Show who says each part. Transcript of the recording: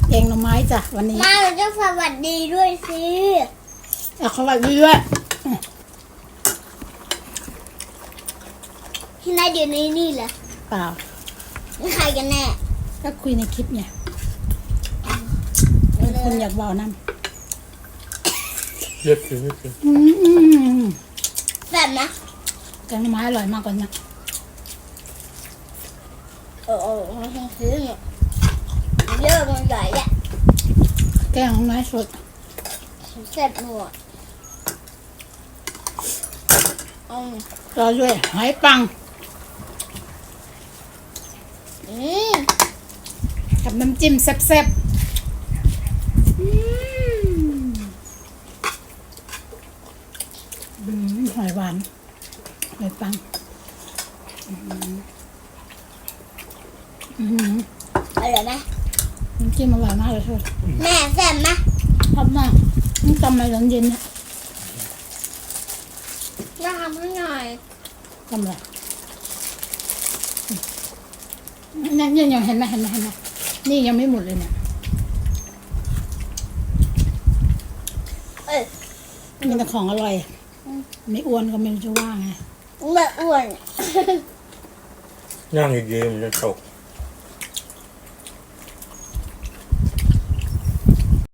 Speaker 1: แกงหน่อไม้จ้ะวันนี้
Speaker 2: มาเราจะสวัสดีด้วยสิ
Speaker 1: สวัสดีด้วย
Speaker 2: ที่นายอยู่ในนี่เหรอ
Speaker 1: เปล่า
Speaker 2: นี่ใครกันแน่
Speaker 1: ก็คุยในคลิปไงคุณอยากบอกน้ำ
Speaker 3: เยอะคือ
Speaker 2: แบบนะ
Speaker 1: แกงหน่อไม้อร่อยมากกว่านี้
Speaker 2: มันคงซื้อเนี่ยเยอะมันใหญ่แหละ
Speaker 1: แกงหน่อไม้สด
Speaker 2: เสร็จหมด
Speaker 1: รอด้วยหอยปังกับน้ำจิ้มแซ่บๆหอยหวานหอยปัง
Speaker 2: อร่อยไหม
Speaker 1: น้ำจิ้มอร่อยมากเลยค่ะ
Speaker 2: แม่แซ่บไหม
Speaker 1: ชอบมากนี่ทำอะไรตอนเย็นเนี่ย
Speaker 2: น่าทำให้หน่อย
Speaker 1: ทำอะไรนี่ยังเห็นไหมนี่ยังไม่หมดเลยเนี่ยมีแต่ของอร่อยไม่อ้วนก็ไม่รู้จะว่าไง
Speaker 2: ไม่อ้วน
Speaker 3: ย่างอีกเยอะมันจะตก